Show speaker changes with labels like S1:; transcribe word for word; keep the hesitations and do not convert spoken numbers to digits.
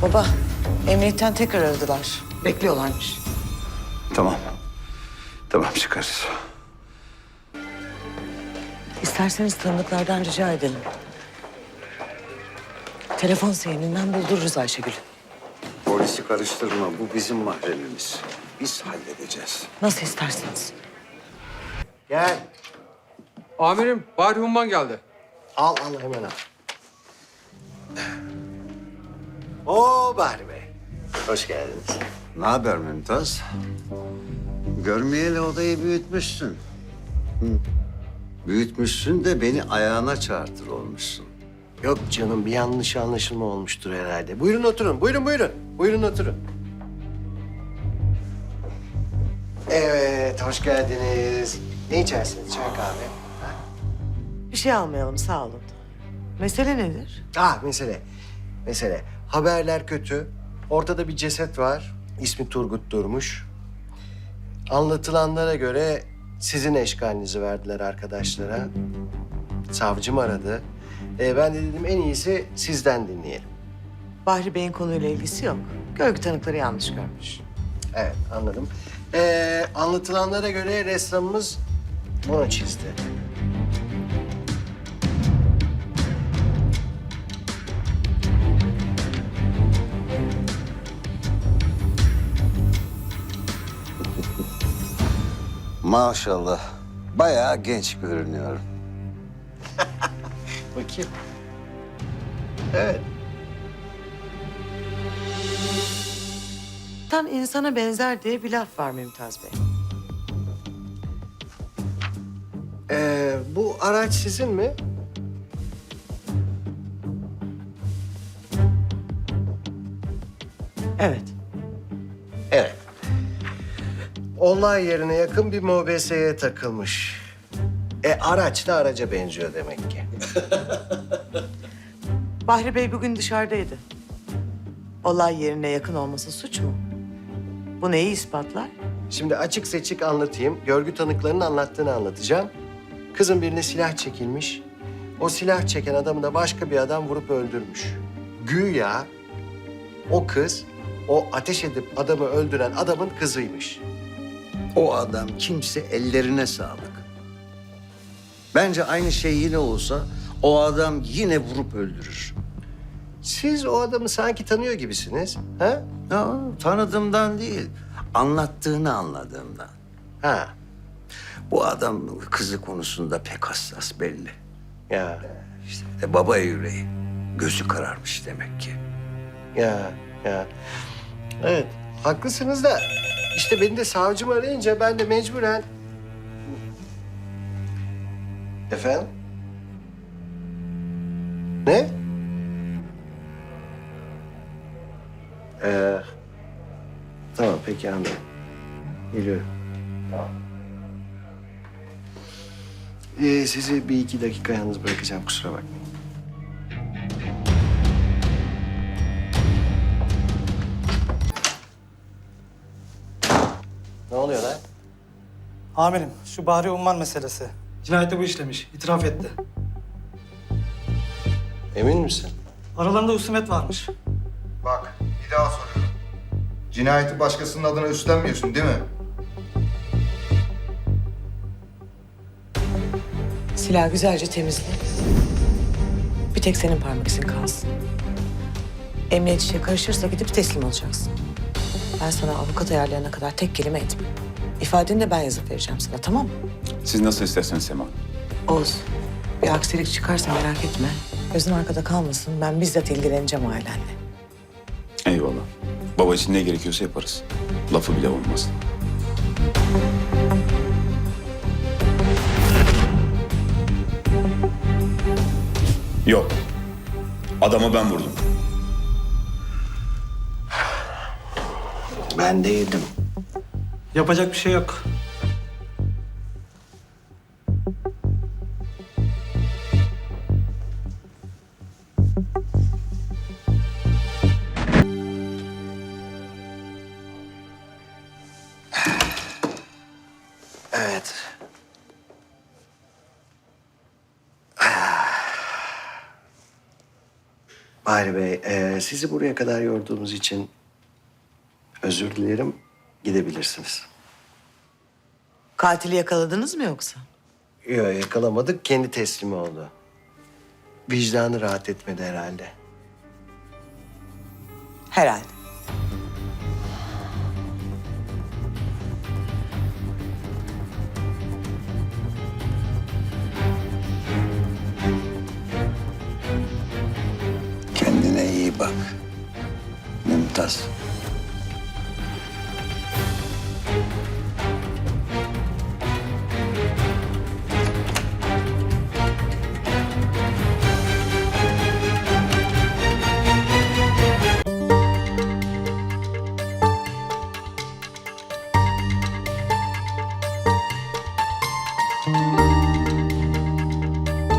S1: Baba, emniyetten tekrar aradılar. Bekliyorlarmış.
S2: Tamam. Tamam çıkarız.
S1: İsterseniz tanıdıklardan rica edelim. Telefon seyininden buldururuz Ayşegül'ü.
S2: Polisi karıştırma. Bu bizim mahremimiz. Biz halledeceğiz.
S1: Nasıl isterseniz.
S3: Gel.
S4: Amirim, Bahri Humman geldi.
S3: Al al hemen al. Oo Bahri Bey. Hoş geldiniz.
S2: Ne haber Mümtaz? Görmeyeli odayı büyütmüşsün. Hı. Büyütmüşsün de beni ayağına çağırtır olmuşsun.
S3: Yok canım bir yanlış anlaşılma olmuştur herhalde. Buyurun oturun. Buyurun buyurun. Buyurun oturun. Evet hoş geldiniz. Ne içersiniz? Çay kahve.
S1: Bir şey almayalım, sağ olun. Mesele nedir?
S3: Ah mesele. Mesele. Haberler kötü. Ortada bir ceset var. İsmi Turgut Durmuş. Anlatılanlara göre sizin eşkalinizi verdiler arkadaşlara. Savcım aradı. Ee, ben de dedim en iyisi sizden dinleyelim.
S1: Bahri Bey'in konuyla ilgisi yok. Görgü tanıkları yanlış görmüş.
S3: Evet anladım. Ee, anlatılanlara göre ressamımız bunu çizdi.
S2: Maşallah. Bayağı genç görünüyorum.
S3: Bakayım. Evet.
S1: Tam insana benzer diye bir laf var Mümtaz Bey.
S3: Ee, bu araç sizin mi?
S1: Evet.
S3: Evet. Olay yerine yakın bir mobeseye takılmış. E araç da araca benziyor demek ki.
S1: Bahri Bey bugün dışarıdaydı. Olay yerine yakın olması suç mu? Bu neyi ispatlar?
S3: Şimdi açık seçik anlatayım. Görgü tanıklarının anlattığını anlatacağım. Kızın birine silah çekilmiş. O silah çeken adamı da başka bir adam vurup öldürmüş. Güya o kız o ateş edip adamı öldüren adamın kızıymış.
S2: O adam kimse ellerine sağlık. Bence aynı şey yine olsa o adam yine vurup öldürür.
S3: Siz o adamı sanki tanıyor gibisiniz. Ha?
S2: Ya, tanıdığımdan değil, anlattığını anladığımdan.
S3: Ha.
S2: Bu adam kızı konusunda pek hassas belli.
S3: Ya.
S2: İşte e, baba yüreği, gözü kararmış demek ki.
S3: Ya. Ya. Evet. Haklısınız da işte beni de savcım arayınca ben de mecburen... Efendim? Ne? Ee, tamam peki anladım. Geliyorum. Tamam. Ee, sizi bir iki dakika yalnız bırakacağım kusura bakmayın. Ne oluyor lan?
S5: Amirim, şu Bahri Umman meselesi. Cinayeti bu işlemiş, itiraf etti.
S3: Emin misin?
S5: Aralarında husumet varmış.
S6: Bak, bir daha soruyorum. Cinayeti başkasının adına üstlenmiyorsun değil mi?
S1: Silahı güzelce temizle. Bir tek senin parmak izin kalsın. Emniyet işe karışırsa gidip teslim olacaksın. Ben sana avukat ayarlayana kadar tek kelime etme. İfadeni de ben yazıp vereceğim sana, tamam mı?
S7: Siz nasıl isterseniz Sema.
S1: Oğuz, bir aksilik çıkarsa merak etme. Gözün arkada kalmasın, ben bizzat ilgileneceğim ailenle.
S7: Eyvallah. Baba için ne gerekiyorsa yaparız. Lafı bile olmaz. Yok. Adamı ben vurdum.
S3: Ben de yedim.
S5: Yapacak bir şey yok.
S3: Evet. Bahri Bey, e, sizi buraya kadar yorduğumuz için özür dilerim. Gidebilirsiniz.
S1: Katili yakaladınız mı yoksa?
S3: Yok, yakalamadık. Kendi teslim oldu. Vicdanı rahat etmedi herhalde.
S1: Herhalde.
S2: Kendine iyi bak. Mümtaz.